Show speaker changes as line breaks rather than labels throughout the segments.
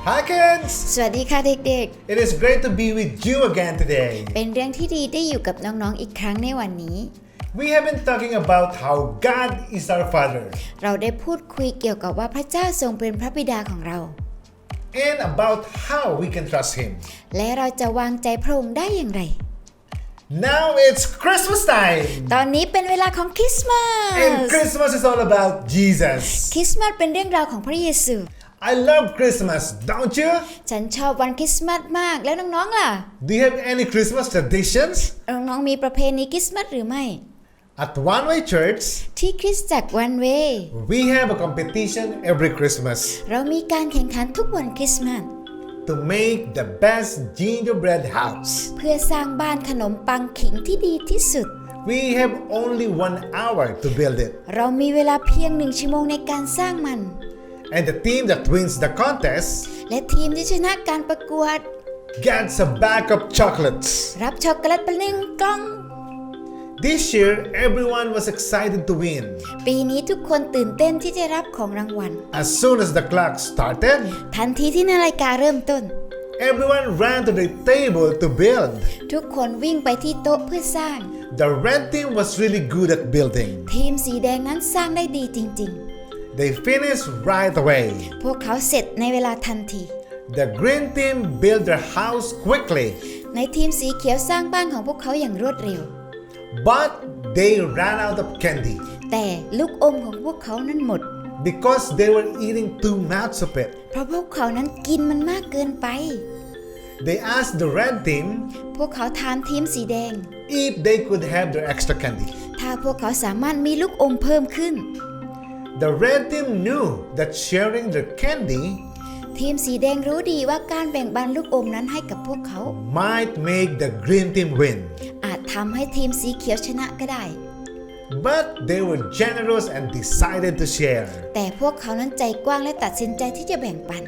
Hi kids!
สวัสดีค่ะเด็ก
It is great to be with you again today.
ๆ เป็นเรื่องที่ดีได้อยู่กับน้องๆอีกครั้งในวันนี้
We have been talking about how God is our Father
เราได้พูดคุยเกี่ยวกับว่าพระเจ้าทรงเป็นพระบิดาของเรา
and about how we can trust Him.
และเราจะวางใจพระองค์ได้อย่างไร
Now it's Christmas time!
ตอนนี้เป็นเวลาของคริสต์มาส
And Christmas is all about Jesus.
คริสต์มาสเป็นเรื่องราวของพระเยซู
I love Christmas, don't you?
ฉันชอบวันคริสต์มาสมากแล้วน้องๆล่ะ
Do you have any Christmas traditions?
น้องๆมีประเพณีคริสต์มาสหรือไม่
At One Way Church,
ที่คริสตจักรวันเว
we have a competition every Christmas
เรามีการแข่งขันทุกวันคริสต์มาส
to make the best gingerbread house.
เพื่อสร้างบ้านขนมปังขิงที่ดีที่สุด
We have only 1 hour to build it.
เรามีเวลาเพียง1 ชั่วโมงในการสร้างมัน
And the team that wins the contest
และทีมที่ชนะการประกวด
gets a bag of chocolates.
รับช็อกโกแลตไป1 กล่อง
This year, everyone was excited to win.
ปีนี้ทุกคนตื่นเต้นที่จะรับของรางวัล
As soon as the clock started,
ทันทีที่นาฬิกาเริ่มต้น
everyone ran to the table to build.
ทุกคนวิ่งไปที่โต๊ะเพื่อสร้าง
The red team was really good at building.
ทีมสีแดงนั้นสร้างได้ดีจริง
They finished right away.
ๆ พวกเขาเสร็จในเวลาทันที
The green team built their house quickly,
ในทีมสีเขียวสร้างบ้านของพวกเขาอย่างรวดเร็ว
but they ran out of candy
แต่ลูกอมของพวกเขานั้นหมด
because they were eating too much of it.
เพราะพวกเขานั้นกินมันมากเกินไป
They asked the red team
พวกเขาถามทีมสีแดง
if they could have their extra candy.
ถ้าพวกเขาสามารถมีลูกอมเพิ่มขึ้น
The red team knew that sharing their candy
ทีมสีแดงรู้ดีว่าการแบ่งปันลูกอมนั้นให้กับพวกเขา
might make the green team win.
อาจทำให้ทีมสีเขียวชนะก็ได้
But they were generous and decided to share.
แต่พวกเขานั้นใจกว้างและตัดสินใจที่จะแบ่งปัน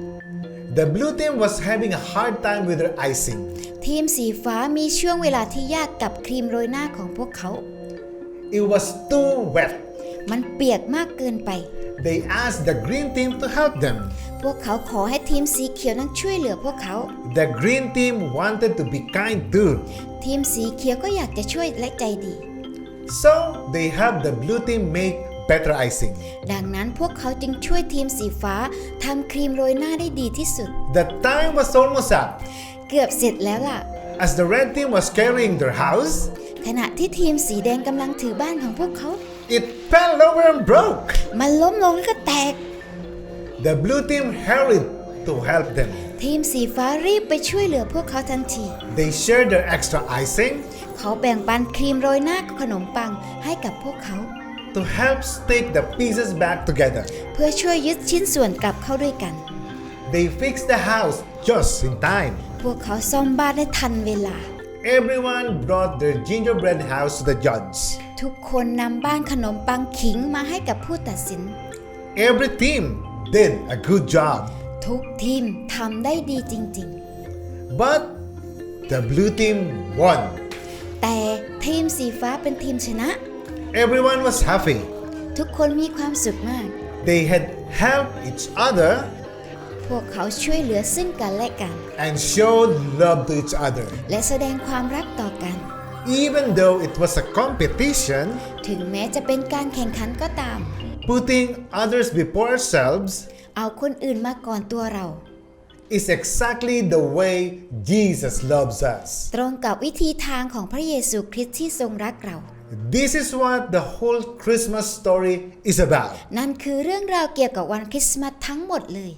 The blue team was having a hard time with their icing.
ทีมสีฟ้ามีช่วงเวลาที่ยากกับครีมโรยหน้าของพวกเขา
It was too wet.
มันเปียกมากเกินไป
They asked the green team to help them.
พวกเขาขอให้ทีมสีเขียวนั้นช่วยเหลือพวกเขา
The green team wanted to be kind too.
ทีมสีเขียวก็อยากจะช่วยและใจดี
So they helped the blue team make better icing.
ดังนั้นพวกเขาจึงช่วยทีมสีฟ้าทำครีมโรยหน้าได้ดีที่สุด
The time was almost up.
เกือบเสร็จแล้วล่ะ
As the red team was carrying their house,
ขณะที่ทีมสีแดงกำลังถือบ้านของพวกเขา
it fell over and broke.
มันล้มลงแล้วก็แตก
The blue team hurried to help them.
ทีมสีฟ้ารีบไปช่วยเหลือพวกเขาทันที
They shared their extra icing
เขาแบ่งปันครีมโรยหน้าขนมปังให้กับพวกเขา
to help stick the pieces back together.
เพื่อช่วยยึดชิ้นส่วนกลับเข้าด้วยกัน
They fixed the house just in time.
พวกเขาซ่อมบ้านได้ทันเวลา
Everyone brought their gingerbread house to the judge.
ทุกคนนำบ้านขนมปังขิงมาให้กับผู้ตัดสิน
Every team did a good job,
ทุกทีมทำได้ดีจริง
but the blue team won.
ๆ แต่ทีมสีฟ้าเป็นทีมชนะ
Everyone was happy.
ทุกคนมีความสุขมาก
They had helped each other
พวกเขาช่วยเหลือซึ่งกันและกัน
and showed love to each other.
และแสดงความรักต่อกัน
Even though it was a competition,
ถึงแม้จะเป็นการแข่งขันก็ตาม
putting others before ourselves
เอาคนอื่นมาก่อนตัวเรา
is exactly the way Jesus loves us.
ตรงกับวิธีทางของพระเยซูคริสต์ที่ทรงรักเรา
This is what the whole Christmas story is about.
นั่นคือเรื่องราวเกี่ยวกับวันคริสต์มาสทั้งหมดเลย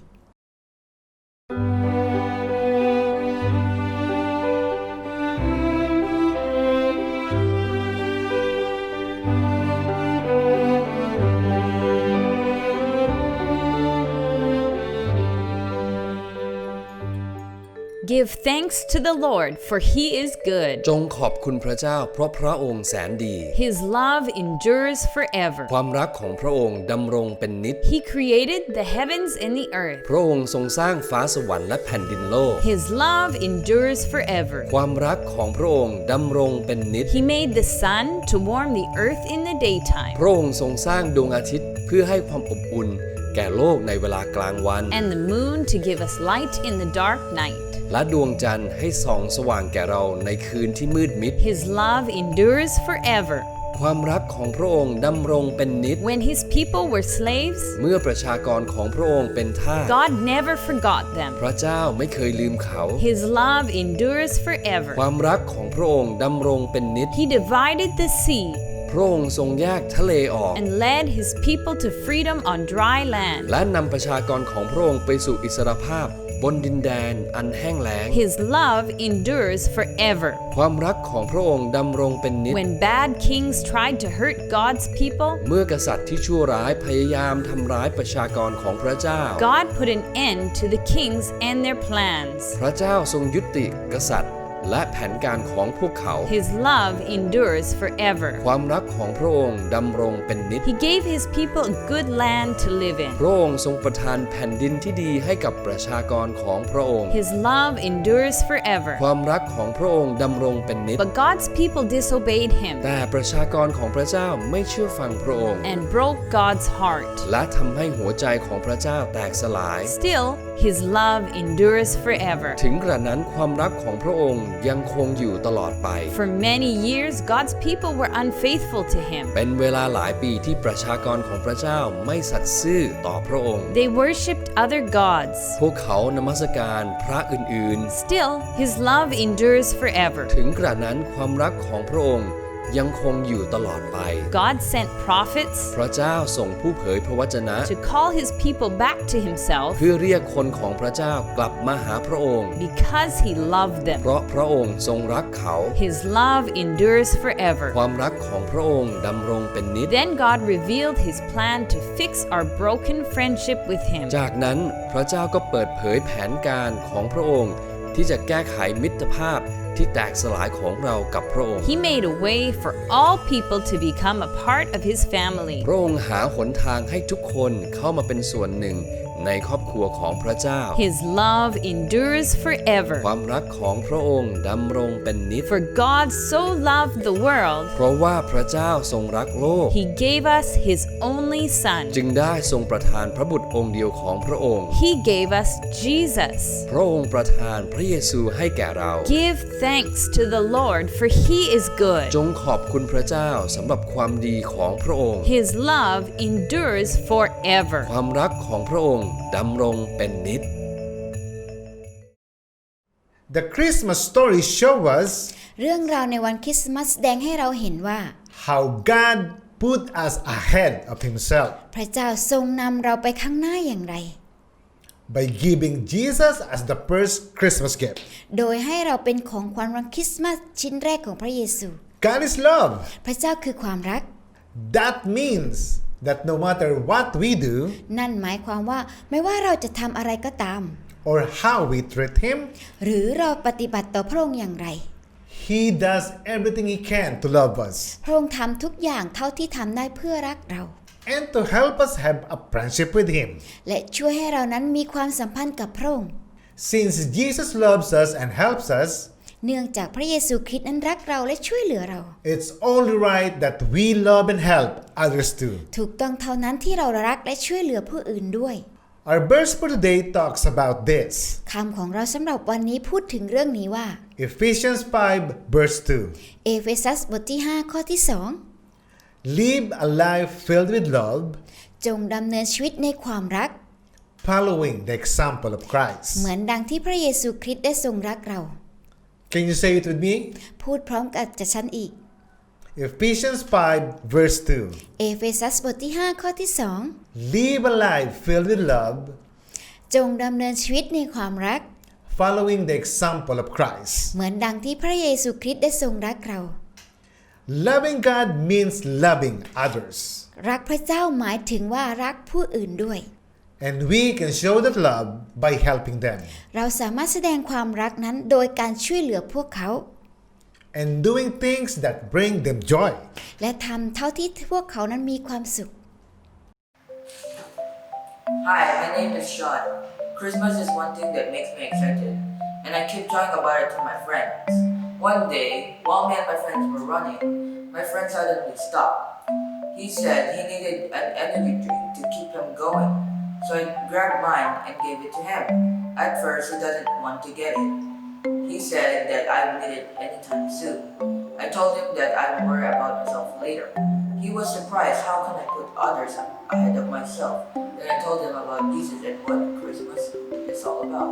Give thanks to the Lord, for He is good.
จงขอบคุณพระเจ้าเพราะพระองค์แสนดี
His love endures forever.
ความรักของพระองค์ดำรงเป็นนิจ
He created the heavens and the earth.
พระองค์ทรงสร้างฟ้าสวรรค์และแผ่นดินโลก
His love endures forever.
ความรักของพระองค์ดำรงเป็นนิจ
He made the sun to warm the earth in the daytime.
พระองค์ทรงสร้างดวงอาทิตย์เพื่อให้ความอบอุ่นแก่โลกในเวลากลางวัน
and the moon to give us light in the dark night.
และดวงจันทร์ให้ส่องสว่างแก่เราในคืนที่มืดมิด
His love endures forever.
ความรักของพระองค์ดำรงเป็นนิจ
When his people were slaves,
เมื่อประชากรของพระองค์เป็นทาส
God never forgot them.
พระเจ้าไม่เคยลืมเขา
His love endures forever.
ความรักของพระองค์ดำรงเป็นนิจ
He divided the sea
พระองค์ทรงแยกทะเลออก
and led his people to freedom on dry land.
และนำประชากรของพระองค์ไปสู่อิสรภาพบนดินแดนอันแห้งแล้ง
His love endures forever.
ความรักของพระองค์ดำรงเป็นนิจ
When bad kings tried to hurt God's people,
เมื่อกษัตริย์ที่ชั่วร้ายพยายามทำร้ายประชากรของพระเจ้า
God put an end to the kings and their plans.
พระเจ้าทรงยุติกษัตริย์และแผนการของพวกเขา
His love endures forever.
ความรักของพระองค์ดำรงเป็นนิจ
He gave his people a good land to live in.
พระองค์ทรงประทานแผ่นดินที่ดีให้กับประชากรของพระองค์
His love endures forever.
ความรักของพระองค์ดำรงเป็นนิจ
But God's people disobeyed him
แต่ประชากรของพระเจ้าไม่เชื่อฟังพระองค์
and broke God's heart.
และทำให้หัวใจของพระเจ้าแตกสลาย
Still, his love endures forever.
ถึงกระนั้นความรักของพระองค์ยังคงอยู่ตลอดไป
For many years, God's people were unfaithful to him.
เป็นเวลาหลายปีที่ประชากรของพระเจ้าไม่สัตย์ซื่อต่อพระองค์
They worshipped other gods.
พวกเขานมัสการพระอื่น
Still, his love endures forever.
ๆ ถึงกระนั้นความรักของพระองค์ยังคงอยู่ตลอดไป
God sent prophets
พระเจ้าส่งผู้เผยพระวจนะ
to call his people back to himself
เพื่อเรียกคนของพระเจ้ากลับมาหาพระองค์
because he loved them.
เพราะพระองค์ทรงรักเขา
His love endures forever.
ความรักของพระองค์ดำรงเป็นนิจ
Then God revealed his plan to fix our broken friendship with him.
จากนั้นพระเจ้าก็เปิดเผยแผนการของพระองค์ที่จะแก้ไขมิตรภาพที่แตกสลายของเรากับพระองค์
He made a way for all people to become a part of his family.
พระองค์หาหนทางให้ทุกคนเข้ามาเป็นส่วนหนึ่งในครอบครัวของพระเจ้า
His love endures
ค
forever.
วามรักของพระองค์ดำรงเป็นนิจ
For God so loved the world,
เพราะว่าพระเจ้าทรงรักโลก
he gave us his only son.
จึงได้ทรงประทานพระบุตรองค์เดียวของพระองค์
He gave us Jesus.
พระองค์ประทานพระเยซูให้แก่เรา
Give thanks to the Lord, for he is good.
จงขอบคุณพระเจ้าสำหรับความดีของพระองค์
His love endures forever.
ความรักของพระองค์ดำรงเป็นนิจ
The Christmas story show us
เรื่องราวในวันคริสต์มาสแสดงให้เราเห็นว่า
how God put us ahead of Himself
พระเจ้าทรงนำเราไปข้างหน้าอย่างไร
by giving Jesus as the first Christmas gift.
โดยให้เราเป็นของขวัญวันคริสต์มาสชิ้นแรกของพระเยซู
God is love.
พระเจ้าคือความรัก
That means that no matter what we do
นั่นหมายความว่าไม่ว่าเราจะทำอะไรก็ตาม
or how we treat Him,
หรือเราปฏิบัติต่อพระองค์อย่างไร
He does everything He can to love us
พระองค์ทำทุกอย่างเท่าที่ทำได้เพื่อรักเรา
and to help us have a friendship with Him.
และช่วยให้เรานั้นมีความสัมพันธ์กับพระองค์
Since Jesus loves us and helps us,
เนื่องจากพระเยซูคริสต์นั้นรักเราและช่วยเหลือเรา
it's only right that we love and help others too.
ถูกต้องเท่านั้นที่เรารักและช่วยเหลือผู้อื่นด้วย
Our verse for today talks about this.
คำของเราสำหรับวันนี้พูดถึงเรื่องนี้ว่า
Ephesians 5 verse 2.
เอเฟซัสบทที่5ข้อที่2
Live a life filled with love,
จงดำเนินชีวิตในความรัก
following the example of Christ.
เหมือนดังที่พระเยซูคริสต์ได้ทรงรักเรา
Can you say it with me?
พูดพร้อมกับฉันอีก
Ephesians 5 verse 2.
เอเฟซัสบทที่5ข้อที่2
Live a life filled with love,
จงดำเนินชีวิตในความรัก
following the example of Christ.
เหมือนดังที่พระเยซูคริสต์ได้ทรงรักเรา
Loving God means loving others.
รักพระเจ้าหมายถึงว่ารักผู้อื่นด้วย
And we can show that love by helping them
เราสามารถแสดงความรักนั้นโดยการช่วยเหลือพวกเขา
and doing things that bring them joy.
และทำเท่าที่พวกเขานั้นมีความสุข
Hi, my name is Sean. Christmas is one thing that makes me excited, and I keep talking about it to my friends. One day, while me and my friends were running, my friend suddenly stopped. He said he needed an energy drink to keep him going. So I grabbed mine and gave it to him. At first, he doesn't want to get it. He said that I would need it anytime soon. I told him that I would worry about myself later. He was surprised how can I put others ahead of myself. Then I told him about Jesus and what Christmas is all about.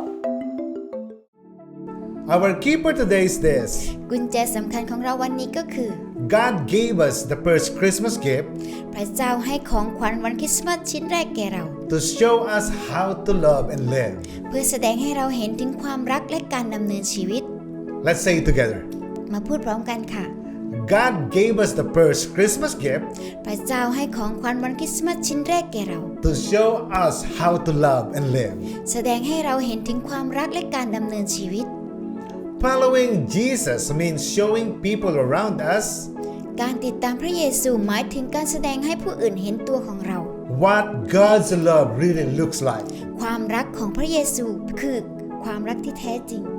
Our key for today is this:
กุญแจสำคัญของเราวันนี้ก็คือ
God gave us the first Christmas gift
พระเจ้าให้ของขวัญวันคริสต์มาสชิ้นแรกแก่เรา
to show us how to love and live.
เพื่อแสดงให้เราเห็นถึงความรักและการดำเนินชีวิต
Let's say it together.
มาพูดพร้อมกันค่ะ
God gave us the first Christmas gift
พระเจ้าให้ของขวัญวันคริสต์มาสชิ้นแรกแก่เรา
to show us how to love and live.
แสดงให้เราเห็นถึงความรักและการดำเนินชีวิต
Following Jesus means showing people around us
การติดตามพระเยซูหมายถึงการแสดงให้ผู้อื่นเห็นตัวของเรา
what God's love really looks like.
ความรักของพระเยซูคือความรักที่แท้จริง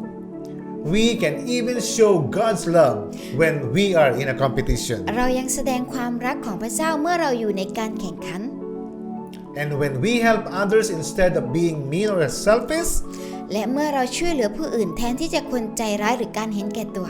We can even show God's love when we are in a competition.
เรายังแสดงความรักของพระเจ้าเมื่อเราอยู่ในการแข่งขัน
And when we help others instead of being mean or selfish,
และเมื่อเราช่วยเหลือผู้อื่นแทนที่จะคนใจร้ายหรือการเห็นแก่ตัว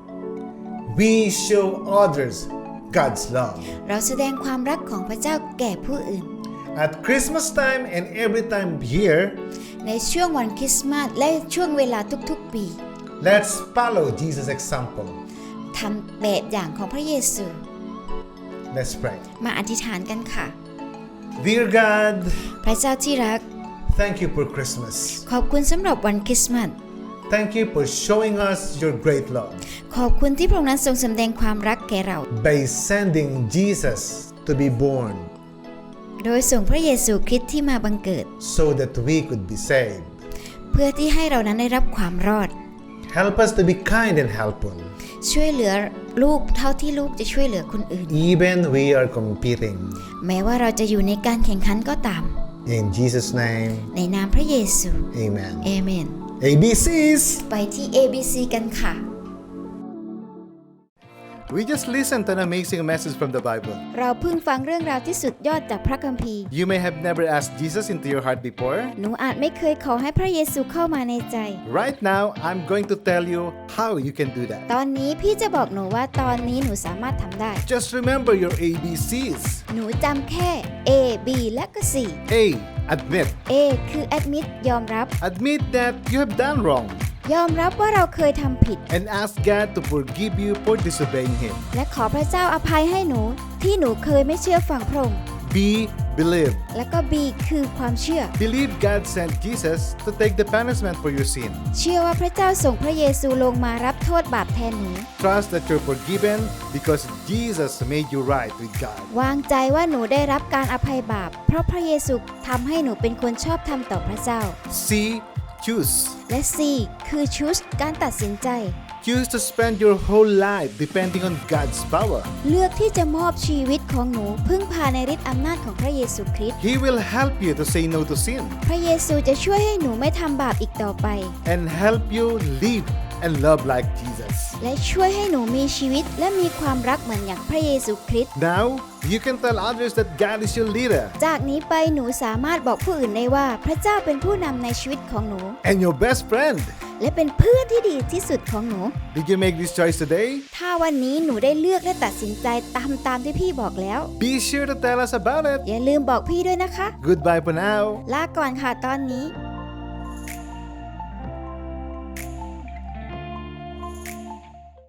we show others God's love.
เราแสดงความรักของพระเจ้าแก่ผู้อื่น
At Christmas time and every time here,
ในช่วงวันคริสต์มาสและช่วงเวลาทุกๆปี
let's follow Jesus' example.
ทำแบบอย่างของพระเยซู
Let's pray.
มาอธิษฐานกันค่ะ
Dear God,
พระเจ้าที่รัก
thank you for Christmas.
ขอบคุณสำหรับวันคริสต์มาส
Thank you for showing us your great love
ขอบคุณที่พระองค์นั้นทรงแสดงความรักแก่เรา
by sending Jesus to be born
โดยส่งพระเยซูคริสต์ที่มาบังเกิด
so that we could be saved.
เพื่อที่ให้เรานั้นได้รับความรอด
Help us to be kind and helpful,
ช่วยเหลือลูกเท่าที่ลูกจะช่วยเหลือคนอื่น
even we are competing.
แม้ว่าเราจะอยู่ในการแข่งขันก็ตาม
In Jesus' name,
ในนามพระเยซู
amen.
เอเมน
ABCs!
ไปที่ ABC กันค่ะ
We just listened to an amazing message from the Bible.
เราเพิ่งฟังเรื่องราวที่สุดยอดจากพระคัมภีร์
You may have never asked Jesus into your heart before.
หนูอาจไม่เคยขอให้พระเยซูเข้ามาในใจ
Right now, I'm going to tell you how you can do that.
ตอนนี้พี่จะบอกหนูว่าตอนนี้หนูสามารถทำได้
Just remember your ABCs.
หนูจำแค่ A B และก็ C
A. Admit.
A คือ admit ยอมรับ
Admit that you have done wrong
ยอมรับว่าเราเคยทำผิด
and ask God to forgive you for disobeying Him.
และขอพระเจ้าอภัยให้หนูที่หนูเคยไม่เชื่อฟังพระองค์
B. Believe.
และก็ B คือความเชื่อ
Believe God sent Jesus to take the punishment for your sin.
เชื่อว่าพระเจ้าส่งพระเยซูลงมารับโทษบาปแทนหนู
Trust that you're forgiven because Jesus made you right with God.
วางใจว่าหนูได้รับการอภัยบาปเพราะพระเยซูทำให้หนูเป็นคนชอบธรรมต่อพระเจ้า
C. Choose.
และ C คือ choose การตัดสินใจ
Choose to spend your whole life depending on God's power.
เลือกที่จะมอบชีวิตของหนูพึ่งพาในฤทธิ์อำนาจของพระเยซูคริสต์
He will help you to say no to sin
พระเยซูจะช่วยให้หนูไม่ทำบาปอีกต่อไป
and help you live and love like Jesus.
และช่วยให้หนูมีชีวิตและมีความรักเหมือนอย่างพระเยซูคริสต์
Now, you can tell others that God is your leader
จากนี้ไปหนูสามารถบอกผู้อื่นได้ว่าพระเจ้าเป็นผู้นำในชีวิตของหนู
and your best friend.
และเป็นเพื่อนที่ดีที่สุดของหนู
Did you make this choice today?
ถ้าวันนี้หนูได้เลือกและตัดสินใจตามที่พี่บอกแล้ว
Be sure to tell us about it.
อย่าลืมบอกพี่ด้วยนะคะ
Goodbye for now.
ลาก่อนค่ะตอนนี้